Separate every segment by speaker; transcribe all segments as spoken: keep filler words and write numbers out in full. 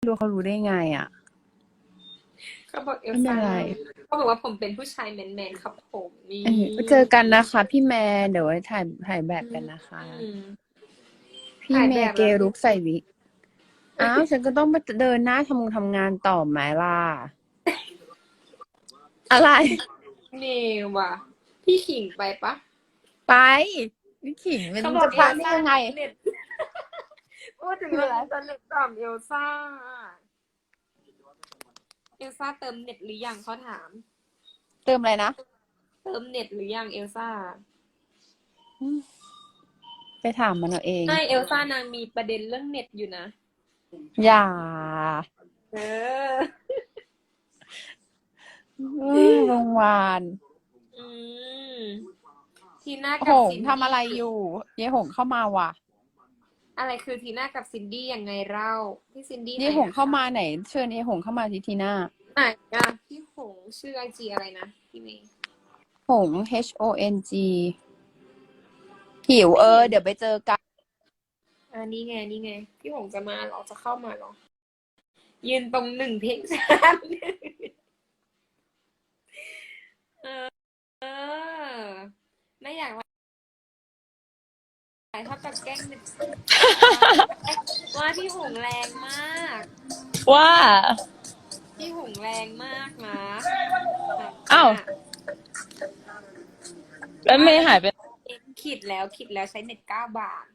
Speaker 1: รู้เขารู้ได้ไงอ่ะ
Speaker 2: เขาบอกเอล
Speaker 1: ไม่เป็น
Speaker 2: ซ่า
Speaker 1: ไร
Speaker 2: เขาบอกว่าผมเป็นผู้ชายแมนๆครับผมนี่
Speaker 1: เออเจอกันนะคะพี่แมนเดี๋ยวไว้ถ่ายถ่ายแบบกันนะคะ
Speaker 2: อืม
Speaker 1: พี่
Speaker 2: ถ่าย
Speaker 1: เมย์เก
Speaker 2: แบบแล้ว
Speaker 1: รุกใส่วิกอ้าวฉันก็ต้องไปเดินหน้าทำงทำงานต่อไหมล่ะอะไร
Speaker 2: นี่ว่ะพี่ขิงไปปะ
Speaker 1: ไปวิขิงมัน
Speaker 2: เขาบอก
Speaker 1: จะพลาดได้
Speaker 2: เอลซ่า
Speaker 1: ยังไง
Speaker 2: เน็ตพูดถึง
Speaker 1: คืออะไร
Speaker 2: เรื่องอินเทอร์เน็ตต่อมเอลซ่าเอลซ่าเติมเน็ตหรือยังเขาถาม
Speaker 1: เติมอะไรนะ
Speaker 2: เติมเน็ตหรือยังเอลซ่า
Speaker 1: อืมไปถามมันเอาเอง
Speaker 2: ใช่เอลซ่านางมีประเด็นเรื่องเน็ตอยู่นะ
Speaker 1: อย่า
Speaker 2: เออ
Speaker 1: อืมโรงพยาบาล
Speaker 2: อืมทีน่า
Speaker 1: ห
Speaker 2: กับ
Speaker 1: ง
Speaker 2: ซินดี้
Speaker 1: ทำอะไรอยู่เย่หงเข้ามาว่ะ
Speaker 2: อะไรคือทีน่ากับซินดี้ยังไงเล่าพี่ซินดี้ไหน
Speaker 1: เย่หง
Speaker 2: อะ
Speaker 1: เข้า
Speaker 2: คะ
Speaker 1: มาไหนเชิญเย่หงเข้ามาทีทีหน้า
Speaker 2: ไหนอะพี่หงชื่อไอจีอะไรนะพี่เมย์
Speaker 1: หง H O N G หิวเออ
Speaker 2: ไม่เห็น
Speaker 1: เดี๋ยวไปเจอกัน
Speaker 2: อ่านี่ไงนี่ไงพี่หงจะมาเหรอจะเข้ามาเหรอยืนตรงหนึ่งเพลงชาติเออเออไม่อยากว่าเท่ากับแกล้งเป็นว่าพี่หงแรงมาก
Speaker 1: ว่า
Speaker 2: พี่หงแรงมากนะ
Speaker 1: อ้าวแล้วเมย์หายไป
Speaker 2: คิดแล้วคิดแล้วใช้เน็ตเก้าบาท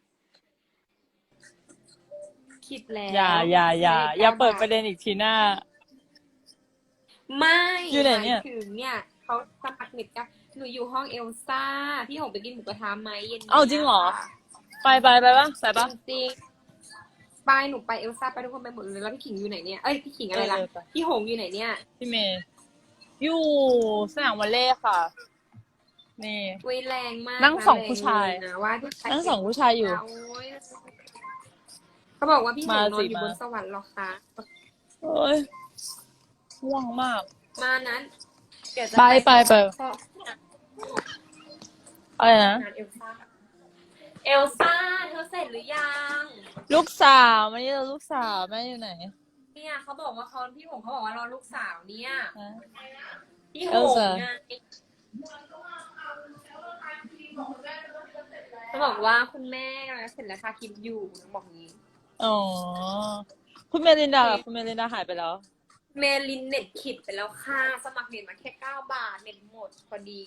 Speaker 2: คิดแล้ว
Speaker 1: อย่าอย่าอย่าอย่าเปิดประเด็
Speaker 2: น
Speaker 1: นอีกทีหน้า
Speaker 2: ไม่
Speaker 1: อยู่ไหนเนี่ย
Speaker 2: มายถึงเนี่ยเขาสมัครเน็ตกันหนูอยู่ห้องเอลซ่าพี่หงไปกินหมูกระทะไหมเย็นนี้
Speaker 1: เอ้าจริงเหรอ
Speaker 2: ค่ะ
Speaker 1: ไปไปไปปะไปปะ
Speaker 2: จริงๆไปหนูไปเอลซ่าไปทุกคนไปหมดเลยแล้วพี่ขิงอยู่ไหนเนี่ยเอ้ยพี่ขิงอะไรล่ะ
Speaker 1: เออไป
Speaker 2: พี่หงอยู่ไหนเนี่ย
Speaker 1: พี่เมย์อยู่สนามวอลเลย์ค่ะ นี่
Speaker 2: เว้ยแรงมาก
Speaker 1: นั่งสองผู้ชาย
Speaker 2: แรงเลนะว่าผู้ชาย
Speaker 1: นั่งสองผู้ชายอยู่
Speaker 2: โอ้ยเขาบอกว่าพี่หง
Speaker 1: มาน
Speaker 2: อ
Speaker 1: สิ
Speaker 2: นอยู่
Speaker 1: มา
Speaker 2: บนสวรรค์หรอคะ
Speaker 1: โอ้ยง่วงมาก
Speaker 2: มานั้นเดี๋ยวจะ
Speaker 1: ไปไปไป
Speaker 2: ข้อ
Speaker 1: อะไรนะ
Speaker 2: งานเอลซ่าเอลซ่าเธอเสร็จหรือยัง
Speaker 1: ลูกสาวไม่ใช่ลูกสาวแม่อยู่ไหน
Speaker 2: เนี่ยเขาบอกว่าเขาพี่หงเขาบอกว่ารอลูกสาวเนี่ย
Speaker 1: ฮะ
Speaker 2: พี่ห
Speaker 1: เอล
Speaker 2: ง
Speaker 1: ซ่า
Speaker 2: ไงเขาบอกว่าคุณแม่กำลังเสร็จแล้วค่ะคลิปอยู่บอกงี้
Speaker 1: อ๋อคุณเมลินดาล่ะคุณเมลินดาหายไปแล้ว
Speaker 2: เมลินเน็ตขิดไปแล้วค่ะสมัครเน็ตมาแค่เก้าบาทเน็ตหมดพอดี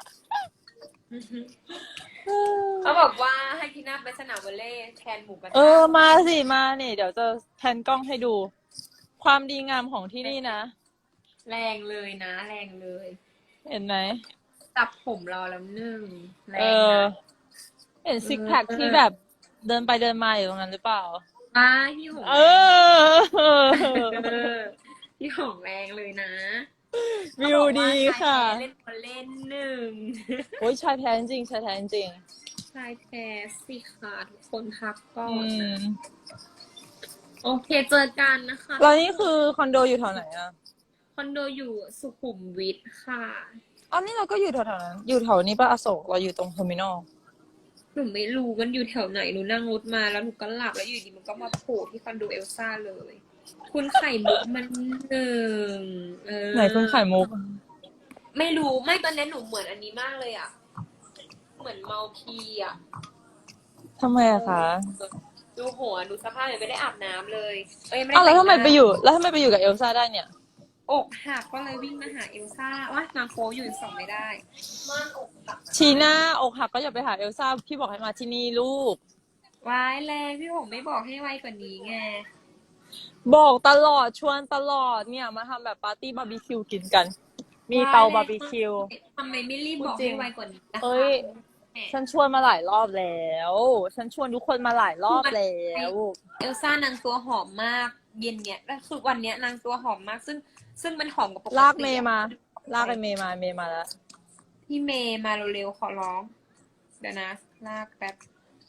Speaker 2: เขาบอกว่าให้พี่นาไปสนามวอลเลย์แทนหมูกระทะ
Speaker 1: เออมาสิมานี่เดี๋ยวจะแพนกล้องให้ดู ความดีงามของที่นี่นะ
Speaker 2: แรงเลยนะ แรงเลย
Speaker 1: เห็นไหม
Speaker 2: ตับผมรอแล้วหนึ่งแร
Speaker 1: เอง อ
Speaker 2: นะ
Speaker 1: เห็นซิกแพค
Speaker 2: เออ
Speaker 1: ที่แบบเดินไปเดินมาอยู่ตรงนั้นหรือเปล่า
Speaker 2: ป้าพี่หง
Speaker 1: เออ
Speaker 2: เออพี่หงแรงเลยนะ
Speaker 1: วิวดีค่ะ
Speaker 2: เขาบอกว่าชายแท้เล่นวอลเลย์หนึ่ง
Speaker 1: โอ้ยชายแท้จริงชายแท้จริง
Speaker 2: ชายแท้สิค่ะทุกคนพักก่อ
Speaker 1: อื
Speaker 2: นนะ
Speaker 1: ม
Speaker 2: โอเคเจอกันนะคะ
Speaker 1: แล้วนี่คือคอนโดอยู่แถวไหนอ่ะ
Speaker 2: คอนโดอยู่สุขุมวิทค่ะ
Speaker 1: อ๋อนี่เราก็อยู่แถวๆนั้น อยู่แถวนี้ป่ะอโศกเราอยู่ตรงเทอร์มินอล
Speaker 2: หนูไม่รู้มันอยู่แถวไหนหนูนั่งรถมาแล้วหนูก็หลับแล้วอยู่ดีมันก็มาโผล่ที่คอนโดเอลซ่าเลย คุณไข่มุกมันหนึ่งเออ
Speaker 1: ไหนคุณไข่มุก
Speaker 2: ไม่รู้ไม่ตอนนี้หนูเหมือนอันนี้มากเลยอ่ะ เหมือนเมาพีอ่ะ
Speaker 1: ทำไมอะคะ
Speaker 2: ดูหัวดูสภาพยังไม่ได้อาบน้ำเลยเอ้ยไม่ได้
Speaker 1: อ้าวแล้วทำไม
Speaker 2: แต่งหน้า
Speaker 1: ไปอยู่ แล้วทำไมไปอยู่กับเอลซ่าได้เนี่ย
Speaker 2: อกหักก็เลยวิ่งมาหาเอลซ่าว่านางโป๊อยู่ส่องไม่ได้ม่านอกหัก
Speaker 1: ชีน่าอกหักก็อย่าไปหาเอลซ่าพี่บอกให้มาที่นี่ลูก
Speaker 2: ว้ายแรงพี่หงไม่บอกให้ไวกว่านี้ไง
Speaker 1: บอกตลอดชวนตลอดเนี่ยมาทำแบบปาร์ตี้บาร์บีคิวกินกัน มีเตาบาร์บีคิว
Speaker 2: ทำไมไม่รีบบอก
Speaker 1: จริ
Speaker 2: ให้
Speaker 1: ง
Speaker 2: ไวกว่านี้นะคะ
Speaker 1: เอ้ย ฉันชวนมาหลายรอบแล้ว ฉันชวนทุกคนมาหลายรอบแล้ว
Speaker 2: เอลซ่านางตัวหอมมากเย็นเนี่ยแล้วคือวันเนี้ยนางตัวหอมมาก ซึ่งซึ่งมันหอมกว่าปกติ
Speaker 1: ลากเมย์มา ลากไอเมย์มาเมย์มาแล้ว
Speaker 2: พี่เมย์มาเร็วๆขอร้องเดี๋ยวนะลากแป๊บ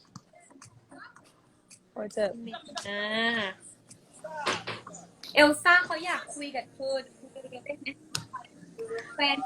Speaker 1: โอ้ยเจ็บ
Speaker 2: พี่เมย์อ่าเอลซ่าเขาอยากคุยกับเธอคุยกับเธอได้ไหมแฟน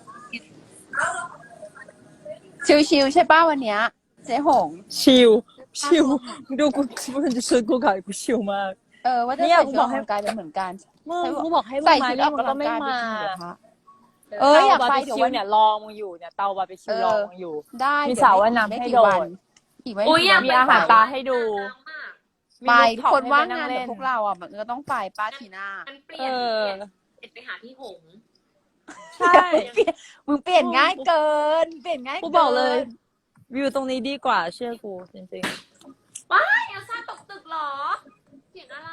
Speaker 1: ชิวๆใช่ป้าวันเนี้ยเจ๊หง ชิว ชิว ดูกูมันจะชวนกูขายกูชิวมาก
Speaker 2: เ
Speaker 3: เออว่าจะ
Speaker 1: เนี่ย
Speaker 3: ใส่
Speaker 1: กู
Speaker 3: ชุด
Speaker 1: บ
Speaker 3: อ
Speaker 1: อ
Speaker 3: อก ก
Speaker 1: ให้
Speaker 3: กำลังกายเป็นเหมือนกัน
Speaker 1: มึงกูบอกให้มึ
Speaker 3: ใส่
Speaker 1: งมา
Speaker 3: ชุดอ
Speaker 1: นี่
Speaker 3: อก
Speaker 1: มึง
Speaker 3: กำ
Speaker 1: ก็
Speaker 3: ลัง
Speaker 1: ไม่
Speaker 3: กายไป
Speaker 1: มา
Speaker 3: กินหมูกระทะ
Speaker 2: เอ
Speaker 3: เอ
Speaker 2: อ
Speaker 3: ออยาก
Speaker 1: เตา
Speaker 3: ไป
Speaker 1: บาร์บี
Speaker 3: เดี๋ยว
Speaker 1: คิว
Speaker 3: วัน
Speaker 1: เนี่ยรอมึงอยู่เนี่ยเตาบาร์บีคิ
Speaker 3: เอ
Speaker 1: วรอ
Speaker 3: อ
Speaker 1: มึงอยู่
Speaker 3: ได้
Speaker 1: มี
Speaker 3: เดี๋ยว
Speaker 1: สระ
Speaker 3: ไม่
Speaker 1: ว่ายน้ำ
Speaker 3: ไม่
Speaker 1: ให้
Speaker 3: กี่
Speaker 1: โดด
Speaker 3: วันอีกไม่
Speaker 2: โอ้ย
Speaker 3: กี่
Speaker 2: อยา
Speaker 3: วั
Speaker 2: ก
Speaker 3: น
Speaker 1: มีอาหารปลาให้ดู มี
Speaker 3: ไป
Speaker 1: รูฟท็อป
Speaker 3: คน
Speaker 1: ให้
Speaker 3: ว่า
Speaker 1: ไป
Speaker 3: ง
Speaker 1: นั่ง
Speaker 3: งานแบ
Speaker 1: เล่
Speaker 3: บ
Speaker 1: น
Speaker 3: พวกเราอ่ะมันก็ต้องไปป้าทีน่า
Speaker 2: มันเปลี่
Speaker 1: เอย
Speaker 2: น
Speaker 1: อ
Speaker 2: เปลี่ยนเปลี่ยนไปหาพี่หงส์
Speaker 1: ใช่
Speaker 3: เปลี่ยนมึงเปลี่ยนง่ายเกิน เปลี่ยนง่าย
Speaker 1: กู
Speaker 3: เกิน
Speaker 1: บอกเลย วิวตรงนี้ดีกว่าเชื่อกูจริง
Speaker 2: ว้ายเอลซ่าตกตึกเหรอเสียงอะไร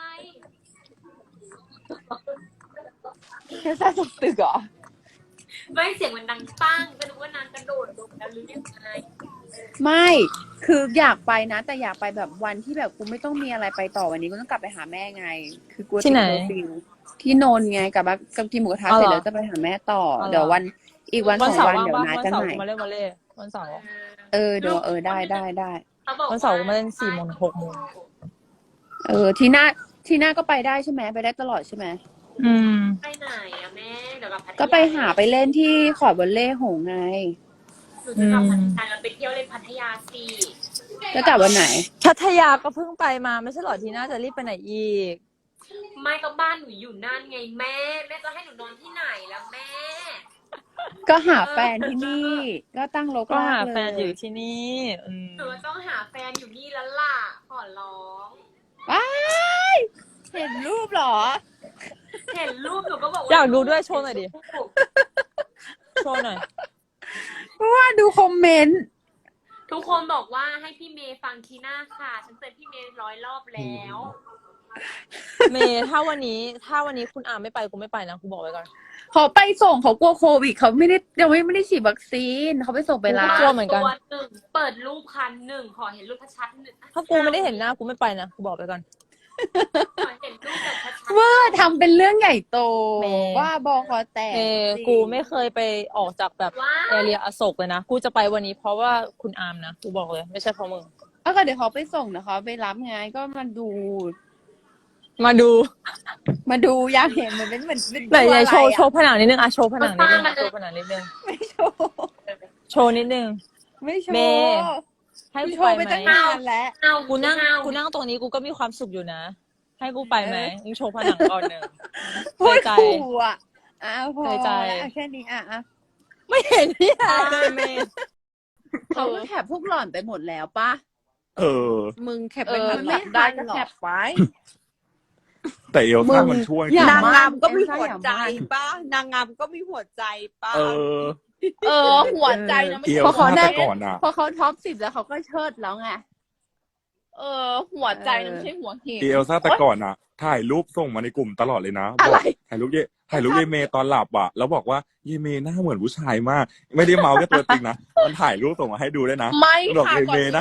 Speaker 3: แค่ซ่าตกตึกเหรอ
Speaker 2: ไม่เสียงมันดังปั้งก็นึกว่านางกระโดดลงแล้วหรือยังไง
Speaker 3: ไม่คืออยากไปนะ แต่อยากไปแบบวันที่แบบกูไม่ต้องมีอะไรไปต่อวันนี้กูต้องกลับไปหาแม่ไง คือกู
Speaker 1: ที่ไหน
Speaker 3: ติดเคอร์ฟิวที่นนท์ไงกลับมากับกินหมูกระทะ
Speaker 1: อ๋อ
Speaker 3: เส
Speaker 1: เห
Speaker 3: ร็
Speaker 1: รอ
Speaker 3: จแล้วจะไปหาแม่ต่อ
Speaker 1: อ๋อเหรอ
Speaker 3: เดี๋ยววันอีกวัน
Speaker 1: ๆ วัน
Speaker 3: สอง
Speaker 1: เสาร์
Speaker 3: วัน
Speaker 1: ว่าง
Speaker 3: เดี๋ยว
Speaker 1: ปะ
Speaker 3: นัด
Speaker 1: วัน
Speaker 3: กัน
Speaker 1: เสาร์
Speaker 3: ใหม่
Speaker 1: กูมาเล่นวอลเลย์วันเสาร์
Speaker 3: เออเดี๋ยวเออได้ได้ได้
Speaker 2: เขาบอก
Speaker 1: วันเสาร์กูมาเล่นสี่โมงถึงหกโมง
Speaker 3: เออทีหน้าทีหน้าก็ไปได้ใช่ไหมไปได้ตลอดใช่ไหม
Speaker 1: อืม
Speaker 2: ไปไหนอะแม่เดี๋ยวกลับพัทยา
Speaker 3: ก็ไปหาไปเล่นที่ขอดวอลเล่หงส์ไง
Speaker 2: หนูจะกลับพัทยาเราไปเที่ยวเล่นพัทยาสิ
Speaker 3: แล้วกลับวันไหน
Speaker 1: พัทยาก็เพิ่งไปมาไม่ใช่เหรอทีน่าจะรีบไปไหนอีก
Speaker 2: ไม่ก็บ้านหนูอยู่นั่นไงแม่แม่จะให้หนูนอนที่ไหนล่ะแม่
Speaker 3: ก็หาแฟนที่นี่ ก็ตั้งโลก
Speaker 1: ก็
Speaker 3: ลา
Speaker 1: หาก
Speaker 3: เล
Speaker 1: แฟนอยู่
Speaker 3: ย
Speaker 1: ที่นี่อืม
Speaker 2: หนูต้องหาแฟนอยู่นี่แล้วล่ะขอร้อง
Speaker 3: ว้ายเห็นรูปเหรอ
Speaker 2: เห็นรูปหนูก็บอกว่า
Speaker 1: อยากดูด้วยโชว์หน่อยดิโชว์หน่อย
Speaker 3: ว่าดูคอมเมนต์
Speaker 2: ทุกคนบอกว่าให้พี่เมย์ฟังคีน่าค่ะ ฉันเตือนพี่เมย์ร้อยรอบแล้ว
Speaker 1: เมย์ถ้าวันนี้ถ้าวันนี้คุณอาไม่ไปกูไม่ไปนะกูบอกไว้ก่อน
Speaker 3: เขาไปส่งเขากลัวโควิดเขาไม่ได้ยังไม่ไม่ได้ฉีดวัคซีนเขาไปส่งไปร้า
Speaker 1: กลั
Speaker 3: น
Speaker 1: วเหมือนกัน
Speaker 2: ตัวหนึ่งเปิดรูปคันหนึ่งขอเห็นรูปชัดๆหนึ่ง
Speaker 1: ถ้ากูไม่ได้เห็นหน้ากูไม่ไปนะกูบอกไปก่อน
Speaker 2: ขอเห็นรูปแบบชัดๆ
Speaker 3: เว่าทำเป็นเรื่องใหญ่โต
Speaker 1: เมย์
Speaker 3: ว่าบอคอแตก
Speaker 1: เมย์
Speaker 3: จริง
Speaker 1: กูไม่เคยไปออกจากแบบ
Speaker 2: ว้า
Speaker 1: แอเรียอโศกเลยนะกูจะไปวันนี้เพราะว่าคุณอาร์มนะกูบอกเลยไม่ใช่เพราะมึง
Speaker 3: เอาก็เดี๋ยวเขาไปส่งนะคะไปรับไงก็มาดู
Speaker 1: มาดู
Speaker 3: มาดูอยากเห็นเหมือนเป็นเหมือนเป็น
Speaker 1: ไหน
Speaker 3: ตัว
Speaker 1: ไหน
Speaker 3: อะไร
Speaker 1: โชว์
Speaker 3: อะ
Speaker 1: โชว์ผนังนิดนึงอะโชว์ผนังนิดนึงโชว์ผนังนิดนึง
Speaker 3: ไม่โชว์
Speaker 1: โชว์นิดนึง
Speaker 3: ไม่โช
Speaker 1: เม
Speaker 3: ว์
Speaker 1: ย์ ให้
Speaker 3: กู
Speaker 1: กู
Speaker 3: โช
Speaker 1: ไป
Speaker 3: ว์ไป
Speaker 1: ไหม
Speaker 3: ตั้งนานแล้ว
Speaker 2: เอา
Speaker 1: กูนั่ง
Speaker 2: เอา
Speaker 1: กูนั่งตรงนี้กูก็มีความสุขอยู่นะ ให้กูไปไหมมึงโชว์ผนังก่อนหนึ่ง
Speaker 3: พูด
Speaker 1: ใจ
Speaker 3: ขู่อ่ะอ้าวพอ
Speaker 1: เคยใจ
Speaker 3: แล้วอ่ะแค่นี้อ่ะอ่ะ
Speaker 1: ไม่เห็นที่ไหนเลยเมย์
Speaker 3: เขาก็แคปพวกหล่อนไปหมดแล้วป่ะ
Speaker 4: เออ
Speaker 3: มึงแคป
Speaker 1: เอ
Speaker 3: ไป
Speaker 1: อ
Speaker 3: ทัน
Speaker 1: ไม่
Speaker 3: ได้
Speaker 1: ทัน
Speaker 3: ก็
Speaker 1: หรอ
Speaker 3: แคปไว้
Speaker 4: แต่เอลซ่ามันช่วย
Speaker 3: อย่า
Speaker 5: นาง
Speaker 3: มั่
Speaker 5: งามก็มี
Speaker 3: เอ็นซ่า
Speaker 5: หัว
Speaker 3: อย่า
Speaker 5: ใจ
Speaker 3: มั่น
Speaker 5: ป้านางงามก็มีหัวใจป้า
Speaker 4: เออ
Speaker 5: เออ หัวใจนะไม่
Speaker 4: เอ
Speaker 5: ใช่
Speaker 4: ล
Speaker 3: พอเขา
Speaker 4: ซ่า
Speaker 3: ได้
Speaker 4: แต่ก่อนอ่ะ
Speaker 3: พอเขาท็อปสิบแล้วเขาก็เชิดแล้วไง
Speaker 5: เออ หัวใจนะไม่ใช่หัวเห็น
Speaker 4: เอลซ่าแต่ก่อนอ่ะ ถ่ายรูปส่งมาในกลุ่มตลอดเลยนะ
Speaker 3: อะไร
Speaker 4: บอกถ่ายรูปเยถ่ายรูปเยเมตอนหลับอ่ะ แล้วบอกว่าเยเมหน้าเหมือนผู้ชายมาก ไม่ได้เมาแค่ตัวจริงนะ มันถ่ายรูปส่งมาให้ดูด้วยนะ
Speaker 5: ไม่
Speaker 4: บอก
Speaker 5: ค่ะ
Speaker 4: เย
Speaker 5: ก่อน
Speaker 4: เม
Speaker 5: ที่
Speaker 4: นะ